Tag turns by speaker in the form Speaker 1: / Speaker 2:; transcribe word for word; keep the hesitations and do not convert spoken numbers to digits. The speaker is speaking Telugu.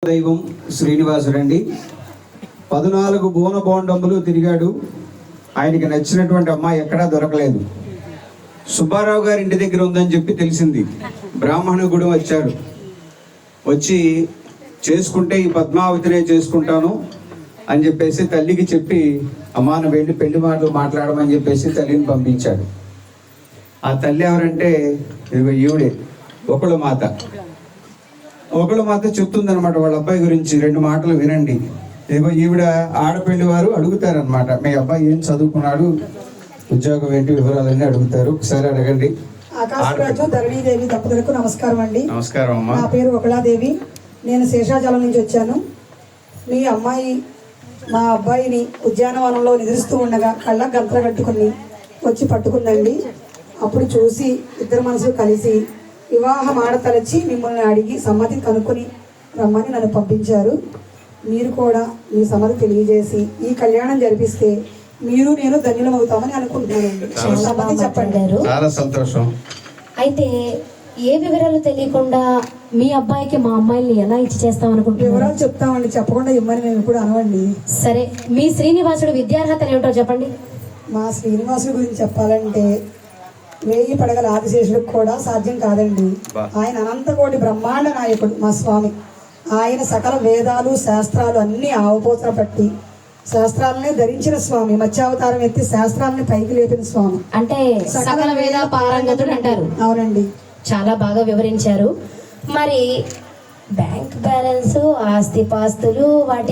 Speaker 1: దైవం శ్రీనివాసుడండి. పద్నాలుగు బోన బోండములు తిరిగాడు. ఆయనకి నచ్చినటువంటి అమ్మాయి ఎక్కడా దొరకలేదు. సుబ్బారావు గారి ఇంటి దగ్గర ఉందని చెప్పి తెలిసింది. బ్రాహ్మణ గుడి వచ్చాడు. వచ్చి చేసుకుంటే ఈ పద్మావతినే చేసుకుంటాను అని చెప్పేసి తల్లికి చెప్పి అమ్మా నువ్వు వెళ్ళి పెళ్లి మాటలు మాట్లాడమని చెప్పేసి తల్లిని పంపించాడు. ఆ తల్లి ఎవరంటే ఇదిగో ఈవిడే ఒకళ్ళ మాత. ఒకళ్ళ మాత చెప్తుందనమాట వాళ్ళ అబ్బాయి గురించి. రెండు మాటలు వినండి. ఇదిగో ఈవిడ ఆడపిల్లి వారు అడుగుతారనమాట, మీ అబ్బాయి ఏం చదువుకున్నాడు, ఉద్యోగం ఏంటి, వివరాలన్నీ అడుగుతారు. ఒకసారి అడగండి.
Speaker 2: ఆకాశరాజు ధరణీదేవి దంపతులకు నమస్కారం అండి.
Speaker 1: నమస్కారం అమ్మా.
Speaker 2: నా పేరు ఒకళాదేవి. నేను శేషాచలం నుంచి వచ్చాను. మీ అమ్మాయి మా అబ్బాయిని ఉద్యానవనంలో నిద్రిస్తూ ఉండగా కళ్ళ గంతలు కట్టుకుని వచ్చి పట్టుకుందండి. అప్పుడు చూసి ఇద్దరు మనసులు కలిసి వివాహం ఆడతలచి మిమ్మల్ని అడిగి సమ్మతి కనుక్కొని రమ్మని నన్ను పంపించారు. మీరు కూడా మీ సమ్మతి తెలియజేసి ఈ కళ్యాణం జరిపిస్తే మీరు నేను ధన్యులం అవుతామని అనుకుంటున్నానండి. సమ్మతి చెప్పండి.
Speaker 1: చాలా సంతోషం.
Speaker 3: అయితే ఏ వివరాలు తెలియకుండా మీ అబ్బాయికి మా అమ్మాయిని ఎలా ఇచ్చి చేస్తాం అనుకుంటున్నారు?
Speaker 2: వివరాలు చెప్తామండి, చెప్పకుండా ఇమ్మని మేము ఇప్పుడు అనవండి.
Speaker 3: సరే, మీ శ్రీనివాసుడు విద్యార్హతలు ఏమిటో చెప్పండి.
Speaker 2: మా శ్రీనివాసుడి గురించి చెప్పాలంటే వేయి పడగల ఆదిశేషుడికి కూడా సాధ్యం కాదండి. ఆయన అనంతకోటి బ్రహ్మాండ నాయకుడు మా స్వామి. ఆయన సకల వేదాలు శాస్త్రాలు అన్ని ఆవపోతన పట్టి శాస్త్రాలనే ధరించిన స్వామి. మత్స్యావతారం ఎత్తి శాస్త్రాలని పైకి లేపిన స్వామి.
Speaker 3: అంటే సకల వేద పారంగతుడు అంటారు.
Speaker 2: అవునండి,
Speaker 3: చాలా బాగా వివరించారు. మరి బ్యాంక్ బ్యాలెన్స్, ఆస్తి పాస్తులు వాటి